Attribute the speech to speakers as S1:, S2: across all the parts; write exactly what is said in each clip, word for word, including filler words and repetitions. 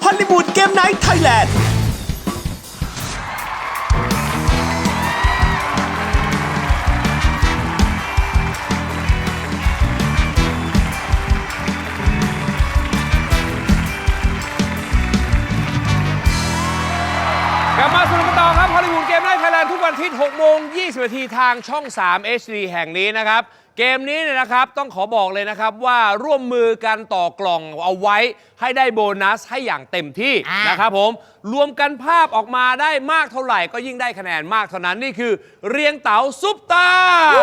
S1: อลลีวูดเกมไนท์ไทยแลนด์
S2: กลับมาสนุกกันต่อครับฮอลลีวูดเกมไนท์ไทยแลนด์ทุกวันอาทิตย์หกโมงยี่สิบนาทีทางช่อง สาม เอช ดี แห่งนี้นะครับเกมนี้เนี่ยนะครับต้องขอบอกเลยนะครับว่าร่วมมือกันต่อกล่องเอาไว้ให้ได้โบนัสให้อย่างเต็มที่นะครับผมรวมกันภาพออกมาได้มากเท่าไหร่ก็ยิ่งได้คะแนนมากเท่านั้นนี่คือเรียงเต๋าซุปตา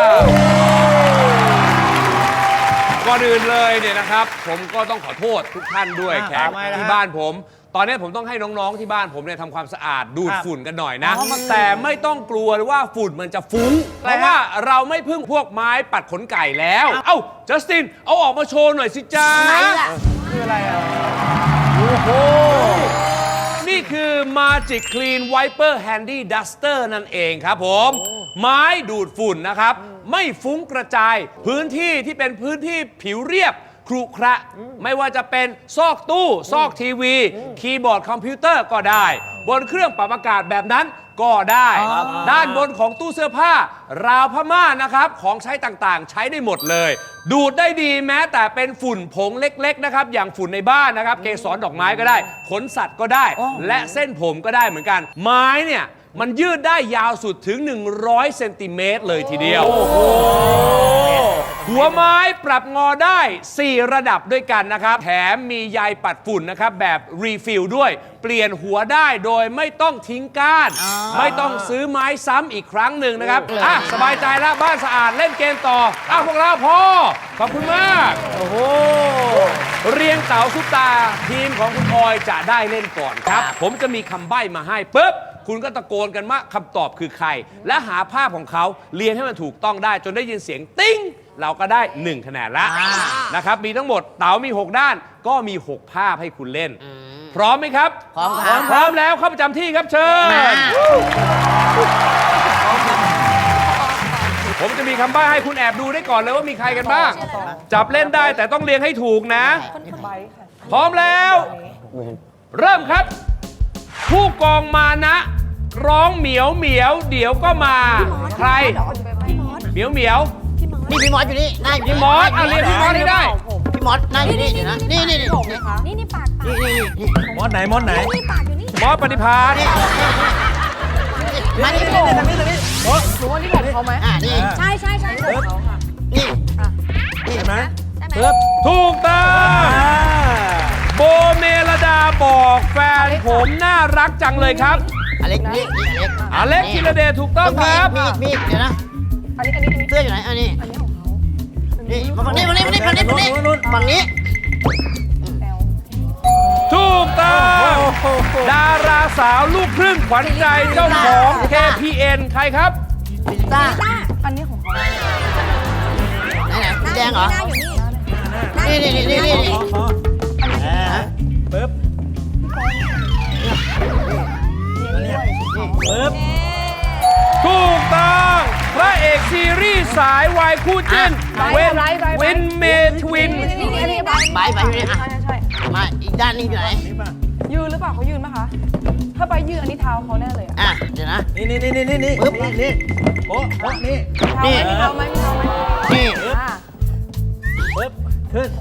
S2: ก่อนอื่นเลยเนี่ยนะครับผมก็ต้องขอโทษทุกท่านด้วยแขกที่บ้านผมตอนนี้ผมต้องให้น้องๆที่บ้านผมเนี่ยทำความสะอาดดูดฝุ่นกันหน่อยนะแต่ไม่ต้องกลัวว่าฝุ่นมันจะฟุ้งเพราะว่าเราไม่พึ่งพวกไม้ปัดขนไก่แล้วเอ้าจัสตินเอาออกมาโชว์หน่อยสิจ้าคืออะไรอ่ะโอ้โหนี่คือ Magic Clean Wiper Handy Duster นั่นเองครับผมไม้ดูดฝุ่นนะครับไม่ฟุ้งกระจายพื้นที่ที่เป็นพื้นที่ผิวเรียบครุขระไม่ว่าจะเป็นซอกตู้ซอกทีวีคีย์บอร์ดคอมพิวเตอร์ก็ได้บนเครื่องปรับอากาศแบบนั้นก็ได้ด้านบนของตู้เสื้อผ้าราวผ้าม่านนะครับของใช้ต่างๆใช้ได้หมดเลยดูดได้ดีแม้แต่เป็นฝุ่นผงเล็กๆนะครับอย่างฝุ่นในบ้านนะครับเกสรดอกไม้ก็ได้ขนสัตว์ก็ได้และเส้นผมก็ได้เหมือนกันไม้เนี่ยมันยืดได้ยาวสุดถึงหนึ่งร้อยเซนติเมตรเลยทีเดียวหัวไม้ปรับงอได้สี่ระดับด้วยกันนะครับแถมมีใยปัดฝุ่นนะครับแบบรีฟิลด้วยเปลี่ยนหัวได้โดยไม่ต้องทิ้งก้านไม่ต้องซื้อไม้ซ้ำอีกครั้งหนึ่งนะครับอ่ะสบายใจแล้วบ้านสะอาดเล่นเกมต่ออ้าวพวกเราพอขอบคุณมากโอ้โหเรียงเต๋าซุปตาทีมของคุณออยจะได้เล่นก่อนครับผมจะมีคำใบ้มาให้ปุ๊บคุณก็ตะโกนกันว่าคำตอบคือใครและหาภาพของเขาเรียงให้มันถูกต้องได้จนได้ยินเสียงติ้งเราก็ได้หนึ่งคะแนนละนะครับมีทั้งหมดเต๋ามีหกด้านก็มีหกภาพให้คุณเล่นพร้อมไหมครับพร้อมครับพร้อมแล้วเข้าประจำที่ครับเชิญผมจะมีคำใบ้ให้คุณแอบดูได้ก่อนเลยว่ามีใครกันบ้างจับเล่นได้แต่ต้องเรียงให้ถูกนะพร้อมแล้วเริ่มครับผู้กองมานะร้องเหมียวเหมียวเดี๋ยวก็มาใครเหมียวเหมียว
S3: นี่พี่มอสอยู่นี่นั่งอยู่นี่
S2: พี่มอสเอาเรียกพี่มอสได้
S3: พี่มอสนั่งอยู่นี่เดี๋ยวนะนี่นี่นี่
S4: นี่นี่ปากปาก
S3: นี่นี่นี่
S1: มอสไหนมอสไหน
S4: นี่ปากอยู่นี่
S2: มอสปฏิภาณ
S3: มานี่นี่นี่นี่นี่
S4: หนูว่านี่ของเขาไหม
S3: อ่านี่
S4: ใช่ใช่ใช่ของเขาค่ะ
S3: นี่นี่
S1: ใช่ไหม
S4: ได้ไหม
S2: ถูกต้องโบเมลดาบอกแฟนผมน่ารักจังเลยครับ
S3: อเล็กนี่นี่อเล็ก
S2: อเล็กธีรเดชถูกต้องครับ
S3: มีมีเดี๋ยวนะ
S4: อันนี้อันนี้อันนี้
S3: เสื้ออยู่ไหนอันนี้
S4: อันนี้ของเขา
S3: นี่มาฝั่งนี้ฝั่งนี้ฝั่งนี้ฝั่งนี้ฝั่งนี้
S4: แอล
S2: ถูกต้องดาราสาวลูกครึ่งขวัญใจเจ้าของ เค พี เอ็น ใครครับ
S3: พิซซ่า
S4: อันนี้ของเขา
S3: ไหนไหนสีแดงเหรอ
S4: หน้าอยู่นี่
S3: นี่นี่นี่นี่นี่
S1: ปึ๊บปึ๊บ
S2: ถูกต้องพระเอกซีรีส์สายวายคู่จิ้นเวนเวนเมทวิน
S4: นี่นี่อันนี้ใบ
S3: ใบใบอยู่นี่อ่ะ
S4: ใช่ใช่ใช่
S3: มาอีกด้านนึงอยู่ไหน
S4: ยืนหรือเปล่าเขายืนไหมคะถ้าใบยืนอันนี้เท้าเขาแน่เลยอะ
S3: อ่ะเดี๋ยวนะ
S1: นี่นี่นี่นี่นี่
S3: ปึ๊บ
S1: นี่โอ้โอ้นี่
S4: มีเท้าไหมมีเท้าไหมมีเท้าไหม
S3: นี่
S4: อ่า
S1: ปึ๊บขึ้น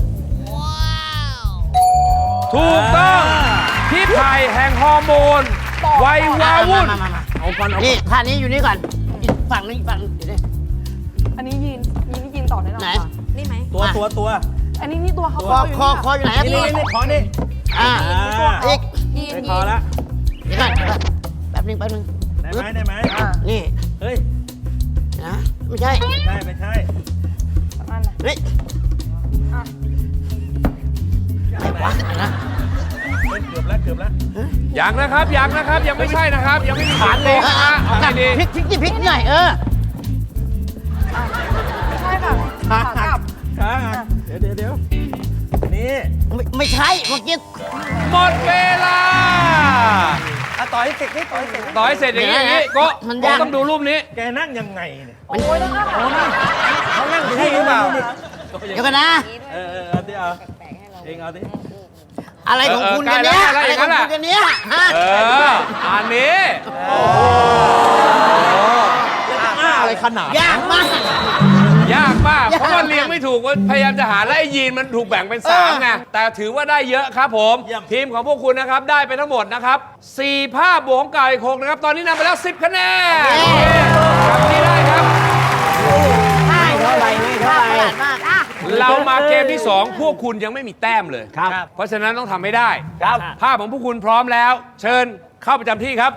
S2: ถูกต้องพี่ไผ่แห่งฮอร์โมนวัยวาวุ่น
S3: มามามาเอาก่อนนี่ท่านี้อยู่นี่ก่อนอีกฝั่งนึงอีกฝั่งเดี๋ยวนี้
S4: อันนี้ยืนยืนนี่ยืนต่อได้หรอ
S3: ไหน
S4: คะนี่ไหม
S1: ตัวตัวตัว
S4: อันนี้นี่ตัวเขา
S3: คอคอคออยู่ไหน
S1: นี่นี่นี่ขอนี่
S3: อ่า
S1: อ่า
S3: อีก
S4: ยืน
S1: ไม่
S4: ยื
S1: พอน ละ
S3: เดี๋ยวก่อนเดี๋ยวก่อนแป๊บนึงแป๊บนึง
S1: ได้ไหมได้ไหม
S4: อ่า
S3: นี่
S1: เฮ้ย
S3: นะไม่ใช่
S1: ได้ไม่ใช่
S4: สองอันนะ
S3: เฮ้ย
S4: อ่ะ
S3: ไหนวะไหนนะ
S1: เฮ้ยเกือบแล้วเกือบแล้ว
S2: ยังนะครับยังนะครับยังไม่ใช่นะครับยังไม่มีฐานเลยนะฮะเอา
S3: กลับ
S2: ดี
S3: พลิกพลิกที่พลิกหน่อยเออ
S4: ไม่ใช่ค่ะขากลับ
S1: ขาเดี๋ยวเดี๋ยวเดี๋ยวนี่
S3: ไม่ไม่ใช่เมื่อกี้
S2: ๆหมดเวลา
S1: อ่ะต่อยเสร็จนี่ต่อยเสร็จ
S2: ต่อให้เสร็จอย่างนี้อย่างนี้ก็ก็ต้องดูรูปนี้
S1: แกนั่งยังไงเนี่ย
S4: โอ้ยต้องอ้าปาก
S1: เขานั่งใช่หรือเปล่า
S3: เดี๋ยวกันนะ
S1: เออเออเอาดิเอาเองเอาดิ
S3: อะไรของคุณกันเนี่ย
S2: อะไรอย่างนั้นแหละ
S3: อันเนี้ยฮะ
S2: เออ อันนี้
S1: อะไรขนาด
S3: ยากมาก
S2: ยากมาก
S3: ยาก
S2: เพราะว่าเรียงไม่ถูกว่าพยายามจะหาและไอ้ยีนมันถูกแบ่งเป็นสามไง แต่ถือว่าได้เยอะครับผม ทีมของพวกคุณนะครับ ได้ไปทั้งหมดนะครับสี่ภาพบวกของเก่าอีกหกนะครับ ตอนนี้นำไปแล้วสิบคะแนนกลับนี้ได้ครับ
S3: ไม่เท่าไหร่ไม่เท่าไหร่มากอ่ะ
S2: เรามาเกมที่ สอง พวกคุณยังไม่มีแต้มเลย
S1: ครับ
S2: เพราะฉะนั้นต้องทำให้ได้
S1: ครับ
S2: ภาพของพวกคุณพร้อมแล้ว เชิญเข้าประจำที่ครับ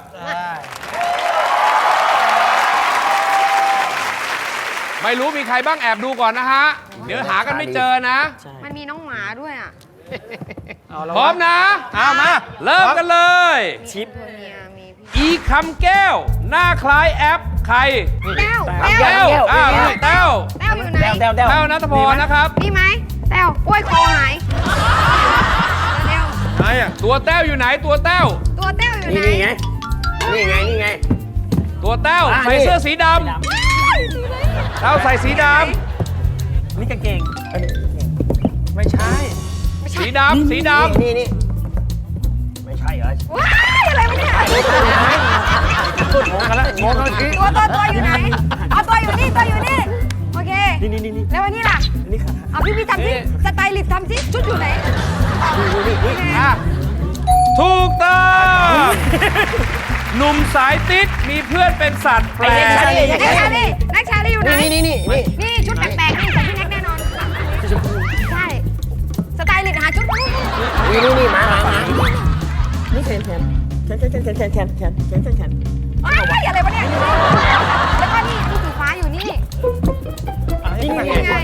S2: ไม่รู้มีใครบ้างแอบดูก่อนนะฮะ เดี๋ยวหากันไม่เจอนะ
S4: มันมีน้องหมาด้วยอ่ะ
S2: พร้อมนะ
S1: เอามา
S2: เริ่มกันเลย
S4: ชิปตัวเมียมีพี่
S2: อีคำแก้ว หน้าคล้ายแอป ใคร
S4: แต้ว
S2: แต้วอ้าวแต้ว
S4: แต้วอยู่ไหน
S1: แต้วแต้ว
S2: แต้วนัทพรนะครับ
S4: นี่ไหมแต้วโอ้ยคอหายเร็ว
S1: ไหนอ่ะ
S2: ตัวแต้วอยู่ไหนตัวแต้ว
S4: ๆตัวแต้วอยู่ไหน
S3: นี่ไง นี่ไง นี่ไง
S2: ตัวแต้ว
S3: อ่ะ
S2: ใส่
S3: นี่
S2: เสื้อสีดำแต้วใส่สีด
S1: นี่กางเกงไม่ใช่
S2: ำสีดำสีด
S3: นี่นี่ไม่ใช่เหรอ
S4: ว้ายอะไรวะเนี่ย
S1: งงกันแล้วงงกันที
S4: ตัวตัวตัวอยู่ไหนเอาตัวอยู่นี่ตัวอยู่นี่โอเค
S1: นี่นี่นี่นี่
S4: แล้ววันนี้ล่ะ
S1: นี่ค่ะ
S4: เอาพี่พี่ทำสิสไตลิสต์ทำสิชุดอยู่ไหน
S2: ำอ่ะถูกต้องหนุ่มสายติ๊ดมีเพื่อนเป็นสัตว์แปล
S4: นัก
S2: ก
S4: ชาลีนักชาลีอยู่ไหน
S3: นี่นี่นี่นี่
S4: นี่ชุดแปลกๆนี่ใส่พี่แน็กแน่นอนใช่สไตลิสต์หาชุดนู่น
S3: นี่นี่นี่มามามา
S1: นี่แขนแขนแขนแขนแขนแขนแขนแขนแขนแขนแขน
S4: ๆอ้าวอะไรวะเนี่ยแล้วก็นี่มีสีฟ้าอยู่นี่
S1: นี่ไง
S4: นี่ไง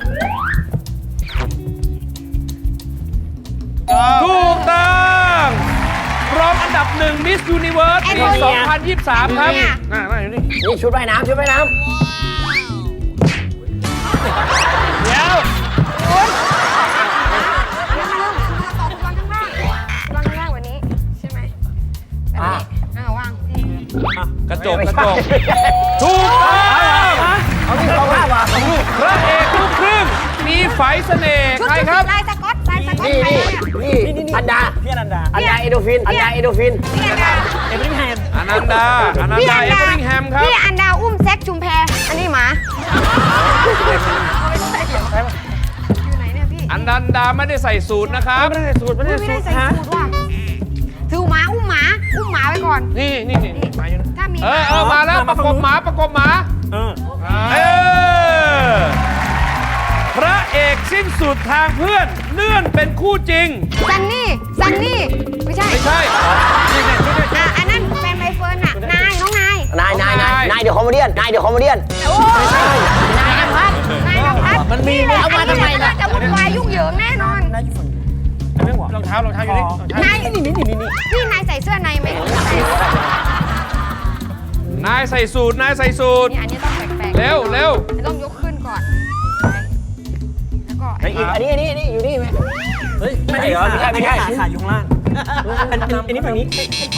S2: ถูกต้องรองอันดับหนึ่งมิสยูนิเวิร์สปีสองพันยี่สิบสามครับอ่ามาอยู่นี่
S3: นี่ชุดว่ายน้ำชุดว่ายน้
S2: เดี๋ยว
S4: เดี๋ยวมาเริ่มมาต่อวางข้างล่างวางข้างล่างวันนี้ใช่ไหมแบบนี้อ่าวางนี่
S2: กระ
S3: ำ
S2: จก
S3: ไม่
S2: กระ
S3: ใช่
S2: จกถูกต้อง
S3: เอาที่สองภาพว่ะ
S2: พระเอกลูกครึ่งมีไฝเสน่ห์
S4: ชุด
S2: ใคร
S4: ชุด
S2: ครับ
S4: ลายสก๊อตลายสก๊อต
S3: นี่
S4: ใคร
S3: นี่
S4: เนี่ย
S3: นี่อันดา
S1: พี่อนันดา
S3: อันดาเอโดฟิน อันดาเอโดฟิน
S4: พี่อันดา
S1: เอเวอร์ลิงแฮม
S2: อนันดาอนัน
S4: พี่
S2: ดา
S4: อัน
S2: เอ
S4: ดา
S2: เวอร์ลิงแฮมครับ
S4: พี่อันดาอุ้มแซกชุมแพอันนี้หมาอยู่ไหนเนี่ยพี่
S2: อันดันดาไม่ได้ใส่สูตรนะครับ
S1: ไม่ได้สูตรไม่
S4: ไม่
S1: ได้
S4: ได้
S1: สูตร
S4: ใส่สูตรว่ะถือหมาอุ้มหมาอุ้มหมาไปก่อน
S2: นี่นี่นี่
S4: นี่
S1: มาอยู่นะ
S4: ถ้ามี
S2: เออเออมาแล้วประกบหมาประกบหมา
S1: เออ
S2: เออพระเอกสิ้นสุดทางเพื่อนเลื่อนเป็นคู่จริง
S4: ซันนี่ซันนี่ไม่ใช่
S2: ไม่ใช่
S4: อ่ะอันนั้นแฟนใบเฟิร์นอ่ะนายน้องนาย
S3: นายนายนายนายเดี๋ยวคอมเมดี้นายเดี๋ยวคอมเมดี้
S4: โอ้ไม่ใช่นายนภัสนายนภัส
S3: มันมี
S4: แหละ
S3: เอามาทำไมล่ะ
S4: จะวุ่นวายยุ่งเหยิงแน่นอน
S1: น่าอยู่ฝั่งนี้อันนี้หัวรองเท้ารองเท้าอยู่นี่รองเท้าน
S4: าย
S1: นี่นี่นี่นี่นี่
S4: พี่นายใส่เสื้อในไหม
S2: นายใส่สูตรนายใส่สูตร
S4: นี่อันนี้ต้องแปลกๆ
S2: เร็วเร็ว
S4: ต้องยกขึ้นก่อนแล้วก็
S3: ไอ้อีกอันนี้อันนี้อันนี้อยู่นี่ไหม
S1: เฮ้ยไม่ใช่เหรอไม่ใช่ไม่ใช่ขาอยู่ข้างล่างอันอันอันนี้ฝั่งนี้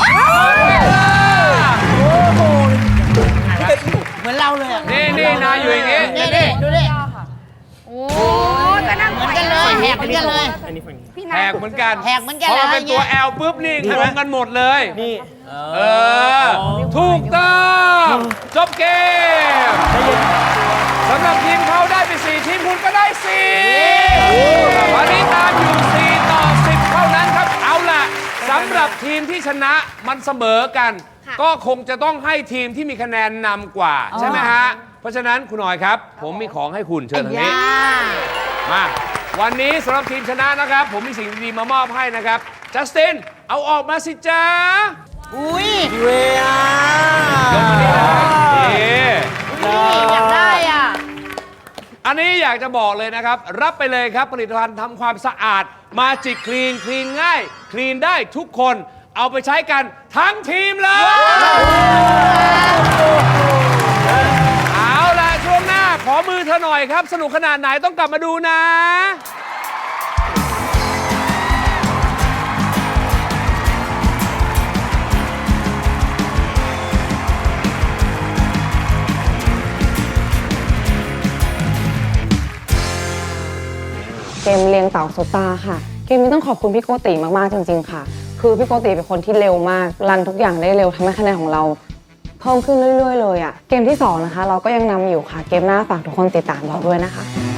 S3: เหมือนเราเลยอ่ะ
S2: นี่นี่นายอยู่อย่างงี้
S3: นี่นี่ดูดิ
S4: โอ้ยก็นั่ง
S3: เหมือนกันเลยแหกเหมือนกันเลย
S1: อันนี้ฝั่งนี้
S4: พี่
S2: แห
S4: นาย
S2: กเหมือนกัน
S3: แหกเหมือนกัน
S2: พอ
S3: เลย
S2: เป็นตัว แอล ปุ๊บนี่ตรงกันหมดเลย
S1: นี่
S2: เออ ถูกต้องจบเกมสำหรับทีมเขาได้ไปสี่ทีมคุณก็ได้สี่วันนี้ตามอยู่สี่ต่อสิบเท่านั้นครับ เอาล่ะสำหรับทีมที่ชนะมันเสมอกัน ก็คงจะต้องให้ทีมที่มีคะแนนนำกว่า ใช่ไหมฮะ เพราะฉะนั้นคุณหน่อยครับ ผมมีของให้คุณเชิญทางนี้ มา วันนี้สำหรับทีมชนะนะครับ ผมมีสิ่งดีๆมามอบให้นะครับ จัสติน เอาออกมาสิจ้า
S3: อุ้ย
S1: เวีย
S2: ยกมานี่นะนี่
S3: อยากได้อ่ะ
S2: อันนี้อยากจะบอกเลยนะครับ รับไปเลยครับผลิตภัณฑ์ทำความสะอาดมาจิกคลีนคลีนง่าย คลีนได้ทุกคนเอาไปใช้กันทั้งทีมเลย เอาล่ะ ช่วงหน้าขอมือเธอหน่อยครับ สนุกขนาดไหนต้องกลับมาดูนะ
S5: เกมเลี้ยงเต่าโซตาค่ะ เกมนี้ต้องขอบคุณพี่โกติมาก ๆ จริง ๆ ค่ะคือพี่โกติเป็นคนที่เร็วมากรันทุกอย่างได้เร็วทำให้คะแนนของเราเพิ่มขึ้นเรื่อยๆเลยอะเกมที่สองนะคะเราก็ยังนำอยู่ค่ะเกมหน้าฝากทุกคนติดตามเราด้วยนะคะ